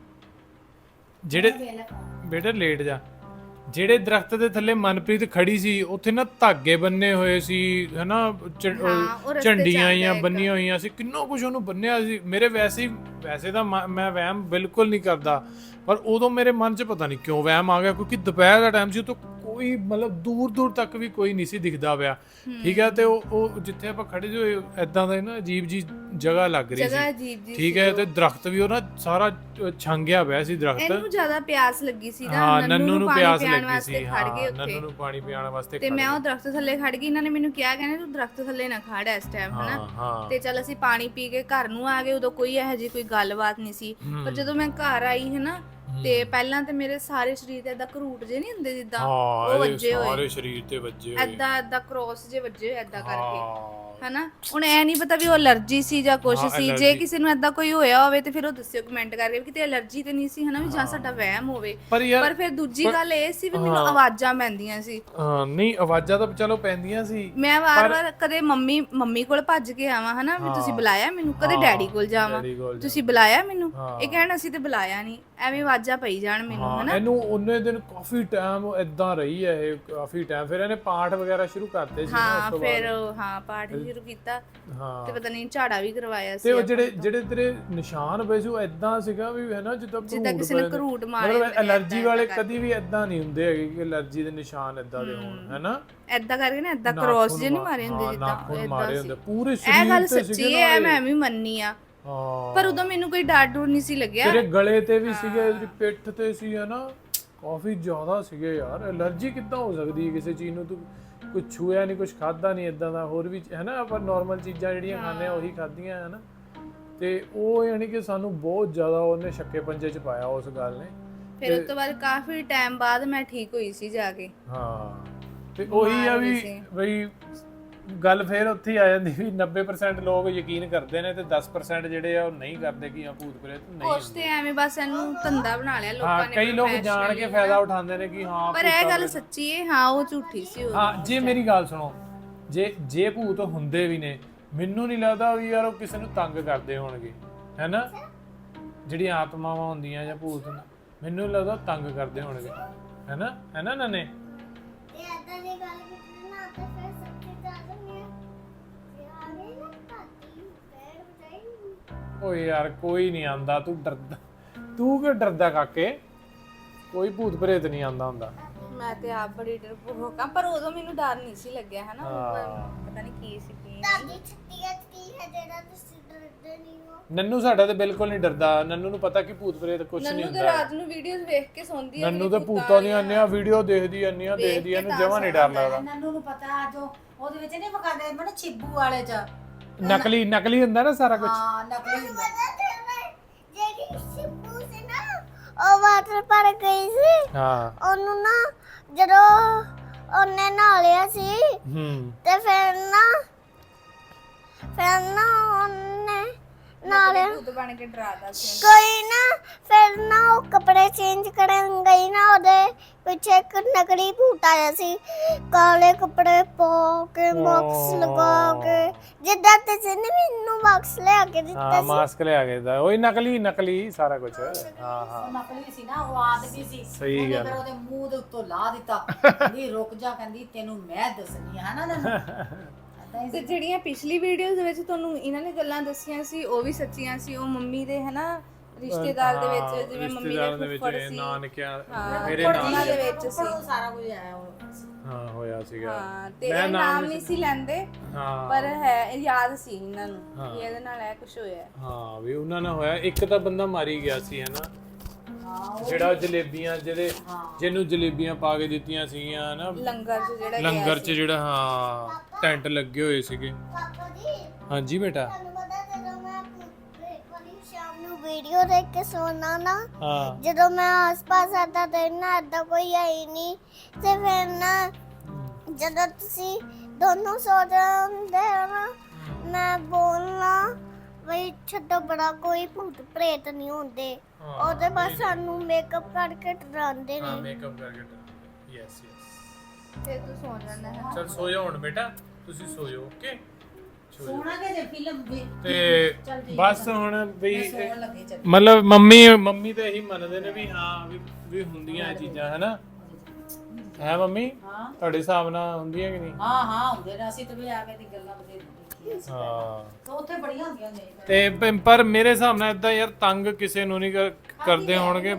ਬੇਟਾ ਲੇਟ ਜਾ। ਜਿਹੜੇ ਦਰਖਤ ਦੇ ਥੱਲੇ ਮਨਪ੍ਰੀਤ ਖੜੀ ਸੀ ਉੱਥੇ ਨਾ ਧਾਗੇ ਬੰਨੇ ਹੋਏ ਸੀ, ਹਨਾ ਉਹ ਰਸਤੇ ਚ ਝੰਡੀਆਂ ਆਉਂਦਾ ਜਾਂ ਇੱਕ। ਬੰਨੀਆਂ ਹੋਈਆਂ ਸੀ, ਕਿੰਨਾ ਕੁਝ ਉਹਨੂੰ ਬੰਨਿਆ ਸੀ। ਮੇਰੇ ਵੈਸੇ ਤਾਂ ਮੈਂ ਵਹਿਮ ਬਿਲਕੁਲ ਨਹੀਂ ਕਰਦਾ, ਪਰ ਉਦੋਂ ਮੇਰੇ ਮਨ 'ਚ ਪਤਾ ਨਹੀਂ ਕਿਉਂ ਵਹਿਮ ਆ ਗਿਆ, ਕਿਉਂਕਿ ਦੁਪਹਿਰ ਦਾ ਟਾਈਮ ਸੀ, ਉਤੋਂ ਕੋਈ ਮਤਲਬ ਦੂਰ ਤੱਕ ਵੀ ਕੋਈ ਨਹੀਂ ਸੀ ਦਿਖਦਾ ਪਿਆ। ਠੀਕ ਹੈ, ਤੇ ਉਹ ਜਿੱਥੇ ਆਪਾਂ ਖੜੇ ਸੀ ਇਦਾਂ ਦਾ ਨਾ ਅਜੀਬ ਜੀ ਜਗ੍ਹਾ ਲੱਗ ਰਹੀ ਜਗ੍ਹਾ ਸੀ। ਅਜੀਬ ਜੀ ਠੀਕ ਹੈ, ਤੇ ਦਰਖਤ ਵੀ ਉਹ ਨਾ ਸਾਰਾ ਛੰਗਿਆ ਪਿਆ ਸੀ ਦਰਖਤ। ਇਹਨੂੰ ਜ਼ਿਆਦਾ ਪਿਆਸ ਲੱਗੀ ਸੀ ਨਾ, ਹਾਂ ਨੰਨੂ ਨੂੰ ਪਿਆਸ ਪਾਣੀ ਪਿਆਉਣ ਲੱਗੀ ਵਾਸਤੇ ਸੀ। ਖੜ ਗਏ ਹਾਂ ਉੱਥੇ। ਨੰਨੂ ਨੂੰ ਪਾਣੀ ਪਿਆਉਣ ਵਾਸਤੇ ਤੇ ਖੜ ਮੈਂ ਗਏ। ਉਹ ਦਰਖਤ ਥੱਲੇ ਖੜ ਗਈ, ਇਹਨਾਂ ਨੇ ਮੈਨੂੰ ਕਿਹਾ, ਕਹਿੰਦੇ ਤੂੰ ਦਰਖਤ ਥੱਲੇ ਨਾ ਖੜ ਇਸ ਟਾਈਮ, ਹਾਂ ਹਨਾ। ਹਾਂ ਤੇ ਚੱਲ ਅਸੀਂ ਪਾਣੀ ਪੀ ਕੇ ਘਰ ਨੂੰ ਆ ਗਏ, ਉਦੋਂ ਕੋਈ ਇਹੋ ਜਿਹੀ ਕੋਈ ਗੱਲਬਾਤ ਨਹੀਂ ਸੀ। ਪਰ ਜਦੋਂ ਮੈਂ ਘਰ ਆਈ ਹਨਾ, ਤੇ ਪਹਿਲਾਂ ਤੇ ਮੇਰੇ ਸਾਰੇ ਸਰੀਰ ਤੇ ਏਦਾਂ ਘਰੂਟ ਜੇ ਨਹੀਂ ਹੁੰਦੇ ਜਿੱਦਾਂ, ਉਹ ਹਾਂ ਵੱਜੇ ਇਹਦੇ ਹੋਏ ਸਾਰੇ ਸਰੀਰ ਤੇ ਵੱਜੇ ਹੋਏ। ਏਦਾਂ ਕ੍ਰੋਸ ਜੇ ਵੱਜੇ ਹੋਏ ਏਦਾਂ ਕਰਕੇ, ਹਾਂ ਹਨਾ। ਹੁਣ ਐ ਨਹੀਂ ਪਤਾ ਵੀ ਉਹ ਅਲਰਜੀ ਸੀ ਜਾਂ ਕੁਛ ਹਾਂ, ਸੀ। ਜੇ allergy। ਕਿਸੇ ਨੂੰ ਏਦਾਂ ਕੋਈ ਹੋਇਆ ਹੋਵੇ ਤੇ ਫਿਰ ਉਹ ਦੱਸਿਓ ਕਮੈਂਟ ਕਰਕੇ ਵੀ ਕਿਤੇ ਅਲਰਜੀ ਤੇ ਨਹੀਂ ਸੀ, ਹਨਾ, ਵੀ ਜਾਂ ਸਾਡਾ ਵਹਿਮ ਹੋਵੇ। ਪਰ ਯਾਰ ਪਰ ਫਿਰ ਦੂਜੀ ਗੱਲ ਇਹ ਸੀ ਵੀ ਮੈਨੂੰ ਆਵਾਜ਼ਾਂ ਪੈਂਦੀਆਂ ਸੀ। ਹਾਂ ਨਹੀਂ ਆਵਾਜ਼ਾਂ ਤਾਂ ਚਲੋ ਪੈਂਦੀਆਂ ਸੀ। ਮੈਂ ਵਾਰ-ਵਾਰ ਕਦੇ ਮੰਮੀ ਕੋਲ ਭੱਜ ਕੇ ਆਵਾਂ, ਹਨਾ, ਵੀ ਤੁਸੀਂ ਬੁਲਾਇਆ ਮੈਨੂੰ, ਕਦੇ ਡੈਡੀ ਕੋਲ ਜਾਵਾਂ, ਡੈਡੀ ਕੋਲ ਤੁਸੀਂ ਬੁਲਾਇਆ ਮੈਨੂੰ, ਇਹ ਕਹਿਣ ਅਸੀਂ ਤੇ ਬੁਲਾਇਆ ਨਹੀਂ, ਐਵੇਂ ਆਵਾਜ਼ਾਂ ਪਈ ਜਾਣ ਮੈਨੂੰ, ਹਾਂ ਹਨਾ। ਇਹਨੂੰ ਉਹਨੇ ਦਿਨ ਕਾਫੀ ਟਾਈਮ ਇਦਾਂ ਰਹੀ ਹੈ ਇਹ, ਕਾਫੀ ਟਾਈਮ। ਫਿਰ ਇਹਨੇ ਪਾਠ ਵਗੈਰਾ ਸ਼ੁਰੂ ਕਰਤੇ ਸੀ ਨਾ ਉਸ ਹਾਂ ਤੋਂ ਫਿਰ ਬਾਅਦ। ਹਾਂ ਪਾਠ ਸ਼ੁਰੂ ਕੀਤਾ ਹਾਂ ਤੇ ਪਤਾ ਨਹੀਂ ਝਾੜਾ ਵੀ ਕਰਵਾਇਆ ਸੀ। ਤੇ ਉਹ ਜਿਹੜੇ ਤੇਰੇ ਨਿਸ਼ਾਨ ਪਏ ਸੀ ਉਹ ਇਦਾਂ ਸੀਗਾ ਵੀ ਹੈ ਨਾ ਜਿੱਦਾਂ ਕਿਸੇ ਨੇ ਘਰੂਟ ਮਾਰੇ ਮਤਲਬ ਐਲਰਜੀ ਵਾਲੇ ਕਦੀ ਵੀ ਇਦਾਂ ਨਹੀਂ ਹੁੰਦੇ ਹੈਗੇ ਕਿ ਐਲਰਜੀ ਦੇ ਨਿਸ਼ਾਨ ਇਦਾਂ ਦੇ ਹੋਣ, ਹੈ ਨਾ। ਏਦਾਂ ਕਰਕੇ ਨਾ ਏਦਾਂ ਕ੍ਰੋਸ ਜੇ ਨਹੀਂ ਮਾਰੇ ਹੁੰਦੇ ਜਿੱਦਾਂ ਨਾਖੂਨ ਮਾਰੇ ਹੁੰਦੇ ਪੂਰੇ ਇਹ ਸਰੀਰ ਗੱਲ ਤੇ ਸੱਚੀ ਸੀਗੇ ਹੈ, ਨਾ ਮੈਂ ਵੀ ਮੰਨੀ ਆ। ਹਾਂ ਪਰ ਉਦੋਂ ਮੈਨੂੰ ਕੋਈ ਡਰ ਡਰ ਨਹੀਂ ਸੀ ਲੱਗਿਆ। ਤੇਰੇ ਗਲੇ ਤੇ ਵੀ ਸੀਗੇ, ਤੇਰੀ ਪਿੱਠ ਤੇ ਸੀ, ਹੈ ਨਾ, ਕਾਫੀ ਜ਼ਿਆਦਾ ਸੀਗੇ ਯਾਰ। ਐਲਰਜੀ ਕਿੱਦਾਂ ਹੋ ਸਕਦੀ ਹੈ ਕਿਸੇ ਚੀਜ਼ ਨੂੰ? ਤੂੰ ਕੁਝ ਛੂਇਆ ਨਹੀਂ, ਕੁਝ ਖਾਦਾ ਨਹੀਂ ਇਦਾਂ ਦਾ, ਹੋਰ ਵੀ ਹੈ ਨਾ, ਆਪਾਂ ਨਾਰਮਲ ਚੀਜ਼ਾਂ ਜਿਹੜੀਆਂ ਖਾਂਦੇ ਆ ਉਹੀ ਖਾਧੀਆਂ, ਹੈ ਨਾ। ਤੇ ਉਹ ਯਾਨੀ ਕਿ ਸਾਨੂੰ ਬਹੁਤ ਜ਼ਿਆਦਾ ਉਹਨੇ ਛੱਕੇ ਪੰਜੇ 'ਚ ਪਾਇਆ ਉਸ ਗੱਲ ਨੇ। ਫਿਰ ਉਸ ਤੋਂ ਬਾਅਦ ਕਾਫੀ ਟਾਈਮ ਬਾਅਦ ਮੈਂ ਠੀਕ ਹੋਈ ਸੀ ਜਾ ਕੇ। ਹਾਂ ਤੇ ਉਹੀ ਆ ਵੀ ਬਈ ਗੱਲ ਫੇਰ ਉੱਥੇ ਹੀ ਆ ਜਾਂਦੀ ਵੀ 90% ਲੋਕ ਯਕੀਨ ਕਰਦੇ ਨੇ ਤੇ 10% ਜਿਹੜੇ ਆ ਉਹ ਨਹੀਂ ਕਰਦੇ ਕਿ ਹਾਂ ਭੂਤ ਪ੍ਰੇਤ ਨਹੀਂ ਉਸ ਤੇ ਐਵੇਂ ਬਸ ਇਹਨੂੰ ਧੰਦਾ ਬਣਾ ਲਿਆ ਲੋਕਾਂ ਹਾਂ ਨੇ। ਕਈ ਲੋਕ ਜਾਣ ਕੇ ਫਾਇਦਾ ਉਠਾਉਂਦੇ ਨੇ ਕਿ ਹਾਂ ਪਰ ਇਹ ਗੱਲ ਸੱਚੀ ਹੈ, ਹਾਂ ਉਹ ਝੂਠੀ ਸੀ ਉਹ। ਹਾਂ ਜੇ ਮੇਰੀ ਗੱਲ ਸੁਣੋ, ਜੇ ਭੂਤ ਹੁੰਦੇ ਵੀ ਨੇ, ਮੈਨੂੰ ਨਹੀਂ ਲੱਗਦਾ ਵੀ ਯਾਰ ਉਹ ਕਿਸੇ ਨੂੰ ਤੰਗ ਕਰਦੇ ਹੋਣਗੇ, ਹੈਨਾ। ਜਿਹੜੀਆਂ ਆਤਮਾਵਾਂ ਹੁੰਦੀਆਂ ਜਾਂ ਭੂਤ ਮੈਨੂੰ ਲੱਗਦਾ ਤੰਗ ਕਰਦੇ ਹੋਣਗੇ, ਹੈਨਾ ਨਨੇ। ਤੇ ਏਦਾਂ ਦੀ ਗੱਲ ਕੀਤੀ ਨਾ ਤੇ ਫਿਰ ਸੱਚੀ ਗੱਲ ਨਹੀਂ ਜੇ ਆ ਗਈ ਨਾ ਤਾਤੀ ਪੈਰ ਬਜਾਈ। ਓਏ ਯਾਰ ਕੋਈ ਨਹੀਂ ਆਂਦਾ, ਤੂੰ ਡਰਦਾ, ਤੂੰ ਕਿਉਂ ਡਰਦਾ ਕਾਕੇ? ਕੋਈ ਭੂਤ ਪ੍ਰੇਤ ਨਹੀਂ ਆਂਦਾ ਹੁੰਦਾ। ਮੈਂ ਤੇ ਆਪ ਬੜੀ ਡਰਪੋਕ ਹਾਂ, ਪਰ ਉਦੋਂ ਮੈਨੂੰ ਡਰ ਨਹੀਂ ਸੀ ਲੱਗਿਆ, ਹਨਾ। ਪਤਾ ਨਹੀਂ ਕੀ ਸੀ ਕੀ ਤਾਤੀ ਛੁੱਟੀਆਂ ਕੀ ਹੈ ਜਿਹੜਾ ਤੁਸੀਂ ਡਰਦੇ ਨਹੀਂ ਹੋ? ਨੰਨੂ ਸਾਡਾ ਤੇ ਬਿਲਕੁਲ ਨਹੀਂ ਡਰਦਾ। ਨੰਨੂ ਨੂੰ ਪਤਾ ਕਿ ਭੂਤ ਪ੍ਰੇਤ ਕੁਝ ਨਹੀਂ ਨੰਨੂ ਤੇ ਹੁੰਦਾ। ਰਾਤ ਨੂੰ ਵੀਡੀਓਜ਼ ਵੇਖ ਕੇ ਸੌਂਦੀ ਹੈ। ਨੰਨੂ ਤਾਂ ਭੂਤਾਂ ਦੀਆਂ ਅੰਨਿਆਂ ਵੀਡੀਓ ਦੇਖਦੀ ਇਹਨੂੰ ਜਮਾਂ ਨਹੀਂ ਡਰ ਲੱਗਦਾ। ਨੰਨੂ ਨੂੰ ਪਤਾ ਜੋ ਉਹਦੇ ਵਿੱਚ ਨਹੀਂ ਵਿਖਾਉਂਦੇ ਮੈਨੂੰ ਛਿੱਬੂ ਵਾਲੇ ਚ ਨਕਲੀ ਹੁੰਦਾ ਨਾ ਸਾਰਾ ਕੁਝ। ਹਾਂ ਨਕਲੀ ਹੁੰਦਾ। ਪਤਾ ਤੇ ਜਿਹੜੀ ਸ਼ਿਪੂ ਸੀ ਨਾ ਉਹ ਵਾਟਰ ਪਾਰਕ ਗਈ ਸੀ। ਹਾਂ ਉਹਨੂੰ ਨਾ ਜਦੋਂ ਉਹਨੇ ਨਹਾ ਲਿਆ ਸੀ ਤੇ ਫਿਰ ਨਾ ਉਹਨੇ ਨਾਲੇ ਭੂਤ ਬਣ ਕੇ ਡਰਾਦਾ ਸੀ ਕੋਈ ਨਾ ਫਿਰ ਨਾ ਉਹ ਕੱਪੜੇ ਚੇਂਜ ਕਰਨ ਗਈ ਨਾ ਉਹਦੇ ਪਿੱਛੇ ਇੱਕ ਨਕਲੀ ਭੂਤ ਆਇਆ ਸੀ ਕਾਲੇ ਕੱਪੜੇ ਪਾ ਕੇ ਮਾਸਕ ਲਗਾ ਕੇ ਜਿੱਦਾਂ ਤੁਸੀਂ ਨੇ ਮੈਨੂੰ ਮਾਸਕ ਲਿਆ ਕੇ ਦਿੱਤਾ ਹਾਂ ਮਾਸਕ ਲਿਆ ਕੇ ਦਾ ਉਹੀ ਨਕਲੀ ਸਾਰਾ ਕੁਝ ਹਾਂ ਹਾਂ ਨਕਲੀ ਸੀ ਨਾ ਉਹ ਆਦਮੀ ਸੀ ਸਹੀ ਉਹਨੇ ਗੱਲ ਫਿਰ ਉਹਦੇ ਮੂੰਹ ਦੇ ਉੱਤੋਂ ਲਾ ਦਿੱਤਾ ਕਹਿੰਦੀ ਰੁਕ ਜਾ ਕਹਿੰਦੀ ਤੈਨੂੰ ਮੈਂ ਦੱਸਣੀ ਹੈ ਨਾ ਤੈਨੂੰ ਤੇ ਜਿਹੜੀਆਂ ਪਿਛਲੀ ਵੀਡੀਓਜ਼ ਦੇ ਵਿੱਚ ਤੁਹਾਨੂੰ ਇਹਨਾਂ ਨੇ ਗੱਲਾਂ ਦੱਸੀਆਂ ਸੀ ਉਹ ਵੀ ਸੱਚੀਆਂ ਸੀ ਉਹ ਮੰਮੀ ਦੇ ਹਨਾ ਰਿਸ਼ਤੇਦਾਰ ਦੇ ਵਿੱਚ ਜਿਵੇਂ ਮੰਮੀ ਰਿਸ਼ਤੇਦਾਰ ਦੇ ਦੇ ਫੁੱਫੜ ਵਿੱਚ ਸੀ ਨਾਨਕਿਆਂ ਹਾਂ, ਮੇਰੇ ਉਹਨਾਂ ਦੇ ਵਿੱਚ ਸੀ ਸਾਰਾ ਕੁਝ ਆਇਆ ਹਾਂ ਹੋਇਆ ਸੀਗਾ ਹਾਂ ਤੇ ਇਹ ਨਾਮ ਨਹੀਂ ਸੀ ਲੈਂਦੇ ਹਾਂ ਪਰ ਹੈ ਯਾਦ ਸੀ ਇਹਨਾਂ ਨੂੰ ਕਿ ਇਹਦੇ ਨਾਲ ਇਹ ਕੁਝ ਹੋਇਆ ਹਾਂ ਵੀ ਉਹਨਾਂ ਨਾਲ ਹੋਇਆ ਇੱਕ ਤਾਂ ਬੰਦਾ ਮਾਰੀ ਗਿਆ ਸੀ ਹੈਨਾ ਜਿਹੜਾ ਜਲੇਬੀਆਂ ਜਿਹਨੂੰ ਜਲੇਬੀਆਂ ਪਾ ਕੇ ਦਿੱਤੀਆਂ ਸੀਗੀਆਂ ਹਨਾ ਲੰਗਰ 'ਚ ਜਿਹੜਾ ਲੰਗਰ 'ਚ ਜਿਹੜਾ ਹਾਂ ਟੈਂਟ ਲੱਗੇ ਹੋਏ ਸੀਗੇ ਪਾਪਾ ਜੀ ਹਾਂਜੀ ਬੇਟਾ ਤੁਹਾਨੂੰ ਪਤਾ ਜਦੋਂ ਮੈਂ ਵਾਲੀ ਸ਼ਾਮ ਨੂੰ ਵੀਡੀਓ ਦੇਖ ਕੇ ਸੋਣਾ ਨਾ ਹਾਂ ਜਦੋਂ ਮੈਂ ਆਸ-ਪਾਸ ਆਤਾ ਤੇ ਨਾ ਏਦਾਂ ਕੋਈ ਆਈ ਨਹੀਂ ਤੇ ਫਿਰ ਨਾ ਜਦੋਂ ਤੁਸੀਂ ਦੋਨੋਂ ਸੋ ਜਾਂਦੇ ਹੋ ਨਾ ਮੈਂ ਬੋਲਣਾ ਵਈ ਛੱਡੋ ਬੜਾ ਕੋਈ ਭੂਤ ਪ੍ਰੇਤ ਨਹੀਂ ਹੁੰਦੇ ਉਹਦੇ ਬਸ ਸਾਨੂੰ ਮੇਕਅਪ ਕਰਕੇ ਡਰਾਉਂਦੇ ਹਾਂ ਨੇ ਮੇਕਅਪ ਕਰਕੇ ਯੈਸ ਯੈਸ ਤੇ ਤੂੰ ਸੌਂ ਜਾਂਦਾ ਹੈ ਚਲ ਸੋ ਜਾਓ ਹੁਣ ਬੇਟਾ ਤੁਸੀਂ ਸੋ ਜਾਓ ਓਕੇ ਸੋਣਾ ਕਿ ਜੇ ਫਿਲਮ ਵੀ ਤੇ ਬਸ ਹੁਣ ਵੀ ਸੋਣ ਲੱਗੇ ਚੱਲ ਮਤਲਬ ਮੰਮੀ ਤੇ ਇਹੀ ਮੰਨਦੇ ਨੇ ਵੀ ਹਾਂ ਵੀ ਹੁੰਦੀਆਂ ਇਹ ਚੀਜ਼ਾਂ ਹੈਨਾ ਹੈ ਮੰਮੀ ਹਾਂ ਤੁਹਾਡੇ ਹਿਸਾਬ ਨਾਲ ਹੁੰਦੀਆਂ ਕਿ ਨਹੀਂ ਹਾਂ ਹੁੰਦੇ ਨੇ ਅਸੀਂ ਤੇ ਵੀ ਆ ਕੇ ਦੀ ਗੱਲਾਂ ਬਦੇ ਦੇਖੀਆਂ ਸੀ ਹਾਂ ਤਾਂ ਉੱਥੇ ਬੜੀਆਂ ਹੁੰਦੀਆਂ ਨੇ ਤੇ ਪਰ ਮੇਰੇ ਹਿਸਾਬ ਨਾਲ ਇਦਾਂ ਯਾਰ ਤੰਗ ਕਿਸੇ ਨੂੰ ਨਹੀਂ ਕਰਦੇ ਹੋਣਗੇ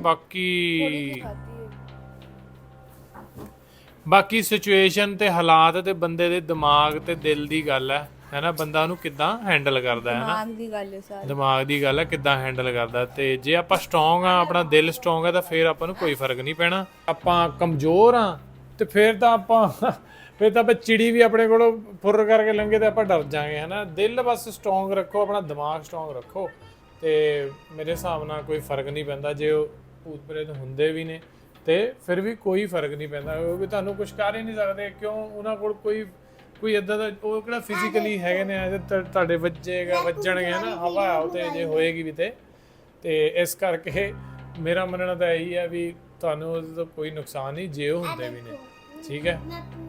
ਬਾਕੀ ਸਿਚੁਏਸ਼ਨ ਤੇ ਹਾਲਾਤ ਤੇ ਬੰਦੇ ਦੇ ਦਿਮਾਗ ਤੇ ਦਿਲ ਦੀ ਗੱਲ ਹੈ ਨਾ ਬੰਦਾ ਉਹਨੂੰ ਕਿੱਦਾਂ ਹੈਂਡਲ ਕਰਦਾ ਹੈ ਨਾ ਦਿਮਾਗ ਦੀ ਗੱਲ ਹੈ ਸਾਰੀ ਦਿਮਾਗ ਦੀ ਗੱਲ ਹੈ ਕਿੱਦਾਂ ਹੈਂਡਲ ਕਰਦਾ ਤੇ ਜੇ ਆਪਾਂ ਸਟਰੋਂਗ ਆ ਆਪਣਾ ਦਿਲ ਸਟਰੋਂਗ ਹੈ ਤਾਂ ਫਿਰ ਆਪਾਂ ਨੂੰ ਕੋਈ ਫਰਕ ਨਹੀਂ ਪੈਣਾ ਆਪਾਂ ਕਮਜ਼ੋਰ ਆ ਤੇ ਫਿਰ ਤਾਂ ਆਪਾਂ ਚਿੜੀ ਵੀ ਆਪਣੇ ਕੋਲੋਂ ਫੁਰ ਕਰਕੇ ਲੰਘੇ ਤੇ ਆਪਾਂ ਡਰ ਜਾਾਂਗੇ ਹਨਾ ਦਿਲ ਬਸ ਸਟਰੋਂਗ ਰੱਖੋ ਆਪਣਾ ਦਿਮਾਗ ਸਟਰੋਂਗ ਰੱਖੋ ਤੇ ਮੇਰੇ ਹਿਸਾਬ ਨਾਲ ਕੋਈ ਫਰਕ ਨਹੀਂ ਪੈਂਦਾ ਜੇ ਉਹ ਭੂਤ ਪ੍ਰੇਤ ਹੁੰਦੇ ਵੀ ਨੇ ਤੇ ਫਿਰ ਵੀ ਕੋਈ ਫਰਕ ਨਹੀਂ ਪੈਂਦਾ ਕਿਉਂਕਿ ਤੁਹਾਨੂੰ ਕੁਝ ਕਰ ਹੀ ਨਹੀਂ ਸਕਦੇ ਕਿਉਂ ਉਹਨਾਂ ਕੋਲ ਕੋਈ ਇਦਾਂ ਦਾ ਉਹ ਕਿਹੜਾ ਫਿਜ਼ੀਕਲੀ ਹੈਗੇ ਨੇ ਤੁਹਾਡੇ ਵੱਜਣਗੇ ਨਾ ਹਵਾ ਉਹ ਤੇ ਜੇ ਹੋਏਗੀ ਵੀ ਤੇ ਇਸ ਕਰਕੇ ਮੇਰਾ ਮੰਨਣਾ ਤਾਂ ਇਹੀ ਹੈ ਵੀ ਤੁਹਾਨੂੰ ਉਹਦੇ ਤੋਂ ਕੋਈ ਨੁਕਸਾਨ ਨਹੀਂ ਜੇ ਉਹ ਹੁੰਦੇ ਵੀ ਨੇ ਠੀਕ ਹੈ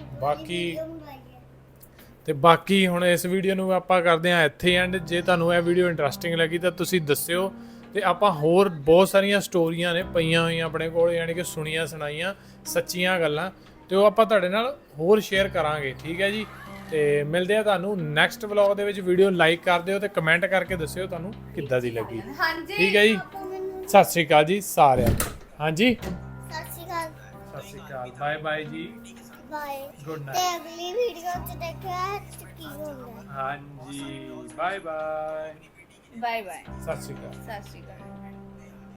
ਬਾਕੀ ਹੁਣ ਇਸ ਵੀਡੀਓ ਨੂੰ ਆਪਾਂ ਕਰਦੇ ਹਾਂ ਇੱਥੇ ਐਂਡ ਜੇ ਤੁਹਾਨੂੰ ਇਹ ਵੀਡੀਓ ਇੰਟਰਸਟਿੰਗ ਲੱਗੀ ਤਾਂ ਤੁਸੀਂ ਦੱਸਿਓ ਤੇ ਆਪਾਂ ਹੋਰ ਬਹੁਤ ਸਾਰੀਆਂ ਸਟੋਰੀਆਂ ਨੇ ਪਈਆਂ ਹੋਈਆਂ ਆਪਣੇ ਕੋਲ ਯਾਨੀ ਕਿ ਸੁਣੀਆਂ ਸੁਣਾਈਆਂ ਸੱਚੀਆਂ ਗੱਲਾਂ ਤੇ ਉਹ ਆਪਾਂ ਤੁਹਾਡੇ ਨਾਲ ਹੋਰ ਸ਼ੇਅਰ ਕਰਾਂਗੇ ਠੀਕ ਹੈ ਜੀ ਤੇ ਮਿਲਦੇ ਆ ਤੁਹਾਨੂੰ ਨੈਕਸਟ ਵਲੌਗ ਦੇ ਵਿੱਚ ਵੀਡੀਓ ਲਾਈਕ ਕਰ ਦਿਓ ਤੇ ਕਮੈਂਟ ਕਰਕੇ ਦੱਸਿਓ ਤੁਹਾਨੂੰ ਕਿੱਦਾਂ ਦੀ ਲੱਗੀ ਠੀਕ ਹੈ ਜੀ ਸਤਿ ਸ਼੍ਰੀ ਅਕਾਲ ਜੀ ਸਾਰਿਆਂ ਨੂੰ ਹਾਂਜੀ ਸਤਿ ਸ਼੍ਰੀ ਅਕਾਲ ਬਾਏ ਬਾਏ ਜੀ ਬਾਏ ਗੁੱਡ ਤੇ ਨਾਈਟ ਅਗਲੀ ਵੀਡੀਓ ਚ ਦੇਖਿਆ ਕੀ ਹੁੰਦਾ ਹਾਂਜੀ ਬਾਏ ਬਾਏ ਬਾਏ ਬਾਏ ਸਤਿ ਸ਼੍ਰੀ ਅਕਾਲ ਸਤਿ ਸ਼੍ਰੀ ਅਕਾਲ